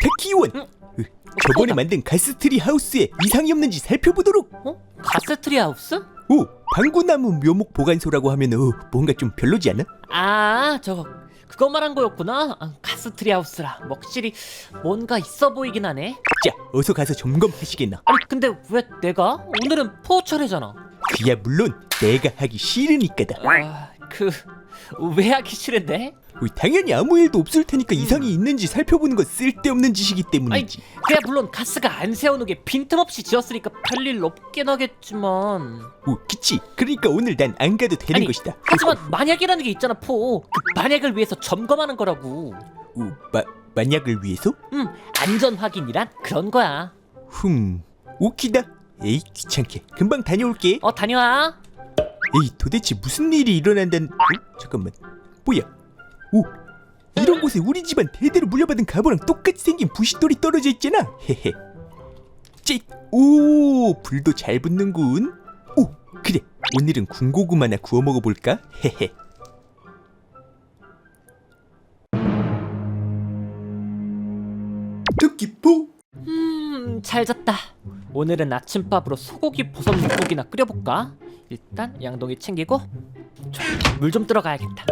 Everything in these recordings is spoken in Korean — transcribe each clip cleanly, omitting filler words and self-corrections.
택키원. 저번에 만든 가스트리 하우스에 이상이 없는지 살펴보도록. 가스트리 하우스? 오, 방구나무 묘목 보관소라고 하면 뭔가 좀 별로지 않아? 아, 그거 말한 거였구나. 가스트리 하우스라. 확실히 뭔가 있어 보이긴 하네. 자, 어서 가서 점검하시겠나? 아니 근데 왜 내가? 오늘은 포 차례잖아. 그야 물론 내가 하기 싫으니까다. 왜 하기 싫은데? 당연히 아무 일도 없을 테니까 이상이 있는지 살펴보는 건 쓸데없는 짓이기 때문이지. 그야 물론 가스가 안 세워놓은 게 빈틈없이 지었으니까 별일 없긴 하겠지만. 그치. 그러니까 오늘 난 안 가도 되는 것이다. 하지만 만약이라는 게 있잖아, 포. 그 만약을 위해서 점검하는 거라고. 만약을 위해서? 안전 확인이란 그런 거야. 오키다. 에이, 귀찮게. 금방 다녀올게. 다녀와. 에이, 도대체 무슨 일이 일어난다는... 잠깐만. 뭐야? 오, 이런 곳에 우리 집안 대대로 물려받은 가보랑 똑같이 생긴 부싯돌이 떨어져 있잖아. 헤헤. 오, 불도 잘 붙는군. 오, 그래. 오늘은 군고구마 하나 구워 먹어볼까? 헤헤. 토끼포. 잘 잤다. 오늘은 아침밥으로 소고기 버섯 묵국이나 끓여볼까? 일단 양동이 챙기고 물 좀 들어가야겠다.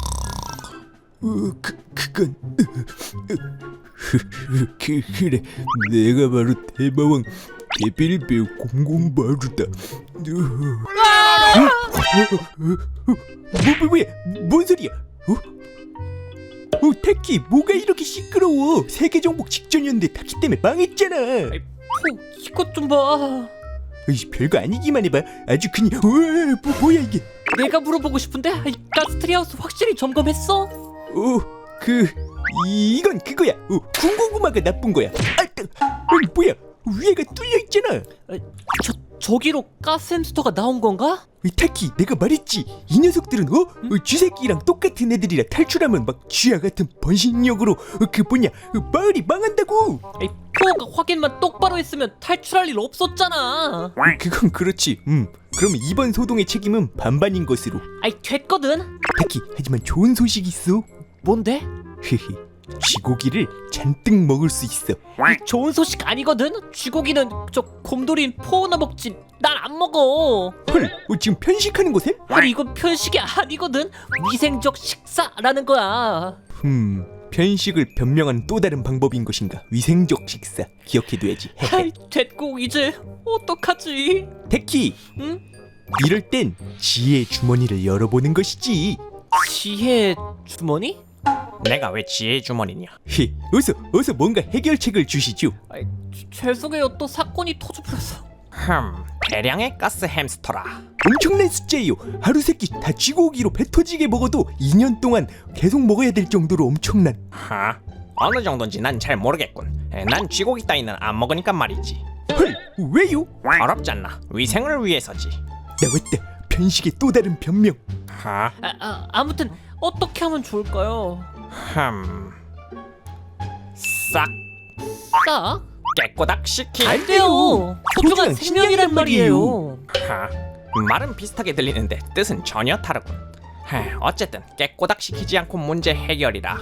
그건 그래. 내가 바로 대마왕 대빌베 공공바루다. 뭐야? 뭔 소리야? 타키, 뭐가 이렇게 시끄러워? 세계 정복 직전이었는데 타키 때문에 망했잖아. 포, 이것 좀 봐. 별거 아니기만 해봐. 아주 그냥 뭐야 이게? 내가 물어보고 싶은데 가스트리 하우스 확실히 점검했어? 이건 그거야. 군고구마가 나쁜 거야. 아니 뭐야? 위에가 뚫려 있잖아. 저기로 가스 햄스터가 나온 건가? 타키, 내가 말했지. 이 녀석들은 쥐새끼랑 똑같은 애들이라 탈출하면 막 쥐와 같은 번식력으로 마을이 망한다고. 포가 확인만 똑바로 했으면 탈출할 일 없었잖아. 그건 그렇지. 그러면 이번 소동의 책임은 반반인 것으로. 됐거든. 타키, 하지만 좋은 소식이 있어. 뭔데? 쥐고기를 잔뜩 먹을 수 있어. 좋은 소식 아니거든. 쥐고기는 저 곰돌이인 포나 먹지. 난 안 먹어. 헐, 지금 편식하는 거셈? 아니 이건 편식이 아니거든. 위생적 식사라는 거야. 편식을 변명한 또 다른 방법인 것인가? 위생적 식사. 기억해둬야지. 됐고 이제 어떡하지? 타키, 응? 이럴 땐 지혜의 주머니를 열어보는 것이지. 지혜 주머니? 내가 왜 지혜의 주머니냐? 어서 뭔가 해결책을 주시죠. 죄송해요. 또 사건이 터져버려서. 대량의 가스 햄스터라. 엄청난 숫자예요. 하루 세끼 다 쥐고기로 배 터지게 먹어도 2년 동안 계속 먹어야 될 정도로 엄청난. 어느 정도인지 난 잘 모르겠군. 난 쥐고기 따위는 안 먹으니까 말이지. 헐, 왜요? 어렵잖아. 위생을 위해서지. 나왔다. 편식의 또 다른 변명. 아무튼 어떻게 하면 좋을까요? 싹? 깨꼬닥 시키. 안 돼요. 소중한 생명이란 말이에요. 말은 비슷하게 들리는데 뜻은 전혀 다르군. 어쨌든 깨꼬닥 시키지 않고 문제 해결이라.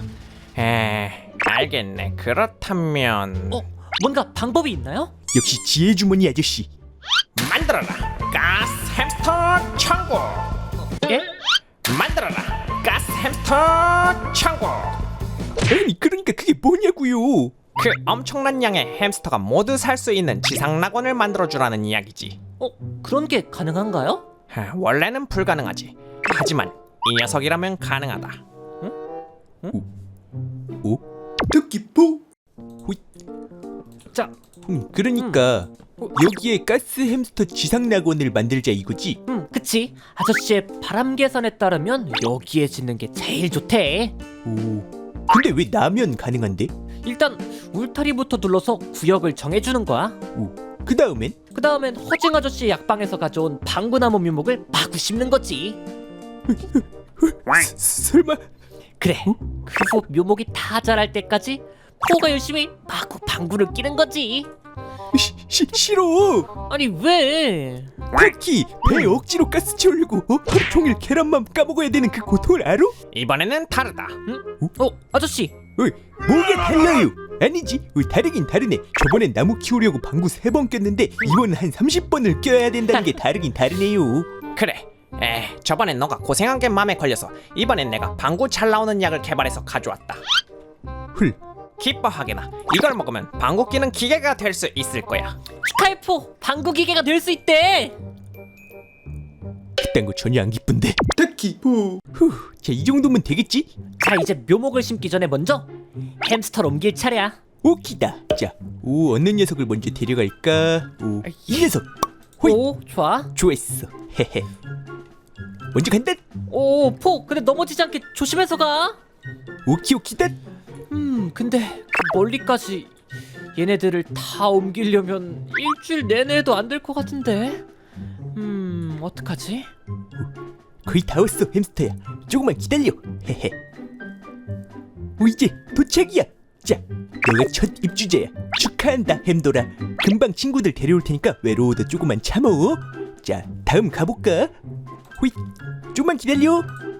알겠네. 그렇다면 뭔가 방법이 있나요? 역시 지혜 주머니 아저씨. 만들어라 가스 햄스터 천국. 예? 만들어라 가스 햄스터 천국. 아니, 그러니까 그게 뭐냐고요? 그 엄청난 양의 햄스터가 모두 살 수 있는 지상 낙원을 만들어주라는 이야기지. 그런 게 가능한가요? 원래는 불가능하지. 하지만 이 녀석이라면 가능하다. 토끼포. 자, 그러니까 여기에 가스 햄스터 지상 낙원을 만들자 이거지? 그치. 아저씨의 바람 계산에 따르면 여기에 짓는 게 제일 좋대. 근데 왜 나면 가능한데? 일단 울타리부터 둘러서 구역을 정해주는 거야. 그 다음엔 허징 아저씨 약방에서 가져온 방구나무 묘목을 마구 심는 거지. 설마? 그래. 그 후 묘목이 다 자랄 때까지 포가 열심히 마구 방구를 끼는 거지. 싫어. 아니 왜? 타키, 배에 억지로 가스 채우려고 하루 종일 계란만 까먹어야 되는 그 고통을 알아? 이번에는 다르다. 아저씨. 뭐가 달라요? 아니지, 다르긴 다르네. 저번엔 나무 키우려고 방구 3번 꼈는데 이번은 한 30번을 껴야 된다는 게 다르긴 다르네요. 그래. 저번엔 너가 고생한 게 마음에 걸려서 이번엔 내가 방구 잘 나오는 약을 개발해서 가져왔다. 헐, 기뻐하게나 이걸 먹으면 방구 끼는 기계가 될 수 있을 거야. 축하해 포. 방구 기계가 될 수 있대. 그딴 거 전혀 안 기쁜데. 타키 후. 자, 이 정도면 되겠지? 자 이제 묘목을 심기 전에 먼저 햄스터를 옮길 차례야. 오키다. 자, 어느 녀석을 먼저 데려갈까? 이 녀석. 호이. 오 좋아. 좋았어. 헤헤. 먼저 간다. 오 포. 근데 넘어지지 않게 조심해서 가. 오키다. 근데 그 멀리까지 얘네들을 다 옮기려면 일주일 내내도 안 될 것 같은데. 어떡하지? 거의 다 왔어, 햄스터야. 조금만 기다려. 헤헤. 이제 도착이야. 자, 너가 첫 입주자야. 축하한다, 햄돌아. 금방 친구들 데려올 테니까 외로워도 조금만 참어. 자, 다음 가볼까? 호잇. 조금만 기다려.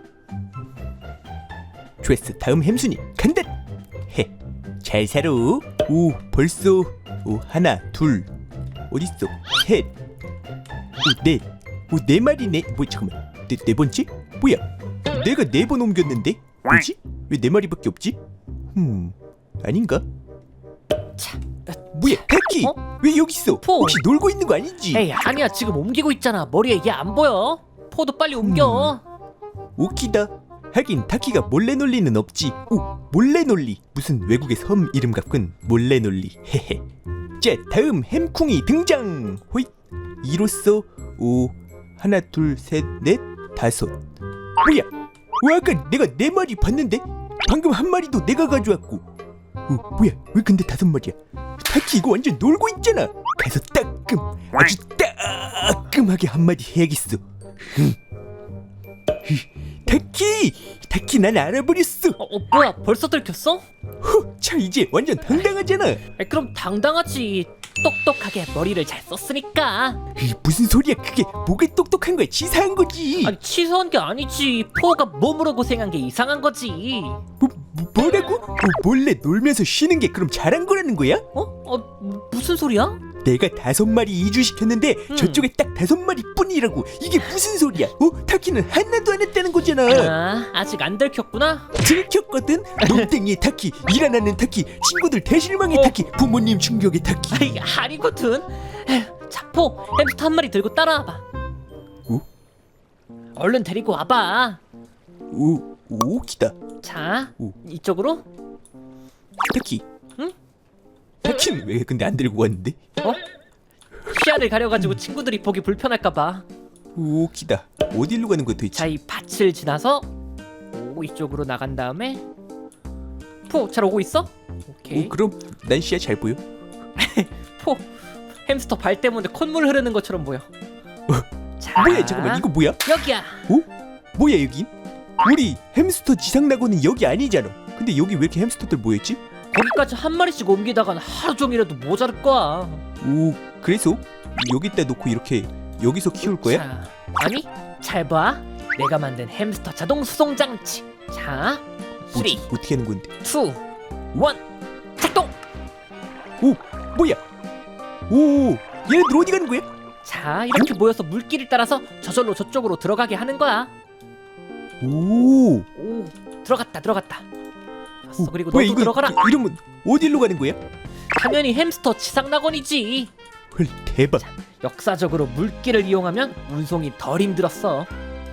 좋았어, 다음 햄순이 간다. 헤. 잘 살아. 벌써 하나, 둘, 어딨어? 셋, 넷. 네 마리네. 잠깐만. 네 번째? 뭐야? 내가 4번 옮겼는데? 뭐지? 왜 4마리밖에 없지? 아닌가? 차. 뭐야, 타키? 왜 여기 있어? 포. 혹시 놀고 있는 거 아니지? 에이 아니야 지금 옮기고 있잖아. 머리에 얘 안 보여. 포도 빨리 옮겨. 오키다. 하긴 타키가 몰래놀리는 없지. 몰래놀리. 무슨 외국의 섬 이름 같군. 몰래놀리. 헤헤. 자, 다음 햄쿵이 등장. 호잇. 이로써 하나, 둘, 셋, 넷, 다섯. 뭐야? 아까 내가 4마리 봤는데 방금 한 마리도 내가 가져왔고. 뭐야? 왜 근데 5마리야? 타키 이거 완전 놀고 있잖아. 가서 따끔, 아주 따끔하게 한마디 해야겠어. 타키 난 알아버렸어. 뭐야 벌써 들켰어? 자, 이제 완전 당당하잖아. 그럼 당당하지. 똑똑하게 머리를 잘 썼으니까. 무슨 소리야? 그게 뭐가 똑똑한 거야? 치사한 거지. 아니 치사한 게 아니지. 포가 몸으로 고생한 게 이상한 거지. 뭐라고? 몰래 놀면서 쉬는 게 그럼 잘한 거라는 거야? 무슨 소리야? 내가 5마리 이주시켰는데 저쪽에 딱 5마리 뿐이라고. 이게 무슨 소리야? 타키는 하나도 안 했다는 거잖아. 아직 안 들켰구나. 들켰거든. 놈땡이의 타키, 일 안 하는 타키, 친구들 대실망의 타키, 부모님 충격의 타키. 아니거든. 자, 포 햄스터 한 마리 들고 따라와봐. 얼른 데리고 와봐. 오키다. 자, 이쪽으로. 타키. 응? 타키는 왜 근데 안 들고 왔는데? 시야를 가려가지고 친구들이 보기 불편할까봐. 오키다. 어디로 가는 거야 도대체? 자, 이 밭을 지나서 이쪽으로 나간 다음에 포 잘 오고 있어? 오케이. 그럼 난 시야 잘 보여. 포 햄스터 발 때문에 콧물 흐르는 것처럼 보여. 자, 뭐야, 잠깐만, 이거 뭐야? 여기야. 뭐야 여긴? 우리 햄스터 지상 낙원은 여기 아니잖아. 근데 여기 왜 이렇게 햄스터들 모였지? 거기까지 한 마리씩 옮기다간 하루 종일해도 모자랄 거야. 그래서 여기다 놓고 이렇게 여기서 키울 거야? 자, 아니 잘 봐. 내가 만든 햄스터 자동 수송 장치. 자, 3, 2, 1 어떻게 하는 건데? 작동. 뭐야? 얘네들 어디 가는 거야? 자, 이렇게 모여서 물길을 따라서 저절로 저쪽으로 들어가게 하는 거야. 오, 들어갔다. 됐어. 그리고 뭐야, 너도 들어가라. 이러면 어디로 가는 거야? 당연히 햄스터 지상 낙원이지. 헐, 대박. 역사적으로 물길을 이용하면 운송이 덜 힘들었어.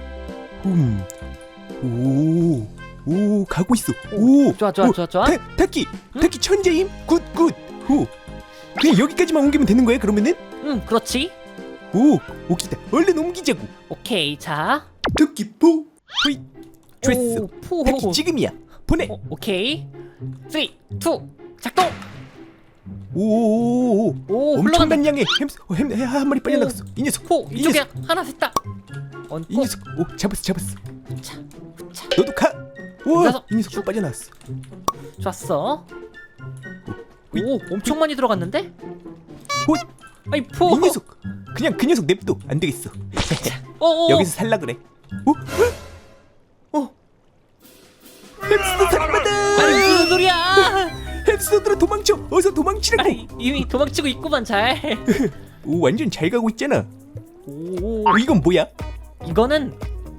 가고 있어. 좋아. 타키 천재임. 굿. 그냥 여기까지만 옮기면 되는 거야 그러면은? 응, 그렇지. 오키다. 얼른 옮기자고. 오케이, 자. 타키 포. 호이. 좋았어. 포. 타키 지금이야. 보내. 오케이. 3, 2, 작동. 오, 흘러간다. 엄청난 양의 햄 한 마리 빨려 나갔어. 이 녀석. 포 이 이쪽에 녀석. 하나 셋다. 이 녀석. 잡았어. 자, 너도 가. 이 녀석 쭉. 빠져나왔어. 좋았어. 엄청 많이 들어갔는데? 아이 포. 이 녀석. 그냥 그 녀석 냅둬. 안 되겠어. 여기서 살라 그래. 햄스터 살인마다. 아니 무슨 소리야? 햄스터 몬스터들아 도망쳐. 어서 도망치라고. 아니 이미 도망치고 있구만 잘. 오 완전 잘 가고 있잖아. 오, 이건 뭐야? 이거는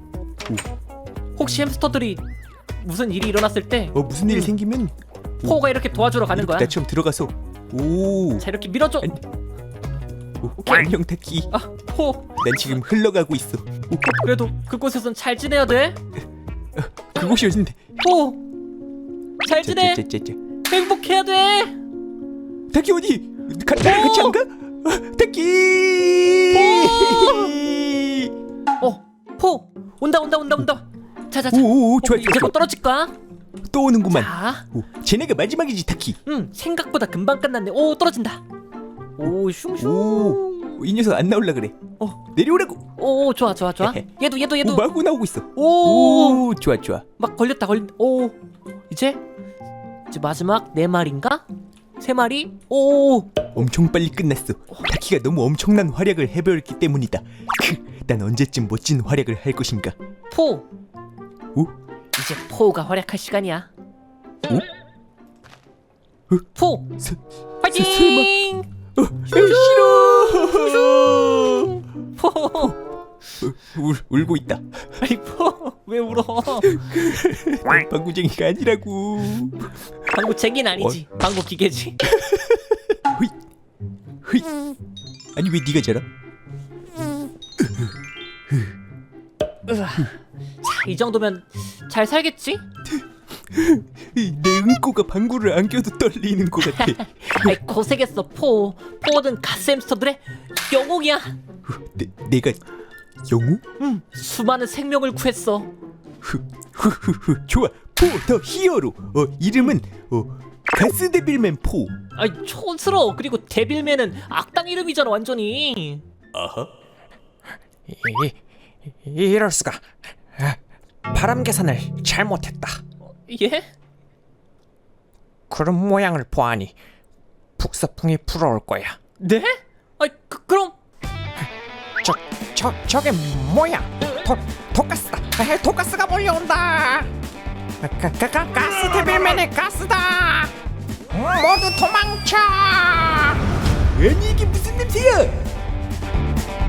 혹시 햄스터들이 무슨 일이 일어났을 때 무슨 일 생기면 포가 이렇게 도와주러 가는 거야. 나처럼 들어가서 오. 자 이렇게 밀어줘. 안녕 타키. 아 포. 난 지금 흘러가고 있어. 그래도 그곳에선 잘 지내야 돼. 그곳이 어딘데? 포. 잘 지내. 짜짜짜짜. 행복해야 돼. 타키 어디? 나랑 같이 안 가? 타키. 포. 온다. 자자자. 오오오 좋아 이제 곧 떨어질 거야. 또 오는구만. 자. 쟤네가 마지막이지 타키. 생각보다 금방 끝났네. 오 떨어진다. 오 슝슝. 오, 이 녀석 안 나올라 그래. 내려오라고. 오 좋아. 얘도. 오, 마구 나오고 있어. 오. 오, 좋아. 막 걸렸다. 오. 이제 마지막 4마리인가? 3마리? 오. 엄청 빨리 끝났어. 타키가 너무 엄청난 활약을 해보였기 때문이다. 난 언제쯤 멋진 활약을 할 것인가? 포. 오? 이제 포가 활약할 시간이야. 오? 포. 화이팅! 싫어. 포. 울고 있다. 아니 포. 왜 울어? 방구쟁이가 아니라고. 방구쟁이는 아니지. 방구 기계지. 흐이. 아니 왜 네가 자라? 자, 이 정도면 잘 살겠지? 내 응꼬가 방구를 안 껴도 떨리는 것 같아. 아이 고생했어 포. 포는 가스햄스터들의 영웅이야. 내가 영웅? 수많은 생명을 구했어. 좋아. 포 더 히어로. 이름은 가스데빌맨 포. 아이 촌스러워. 그리고 데빌맨은 악당 이름이잖아 완전히. 아하. 이럴 수가. 바람 계산을 잘못했다. 예? 구름 모양을 보아하니 북서풍이 불어올 거야. 네? 아이 그럼 저게 뭐야? 독가스다. 독가스가 몰려온다. 가스 데빌맨의 가스다. 모두 도망쳐. 아니 이게 무슨 냄새야?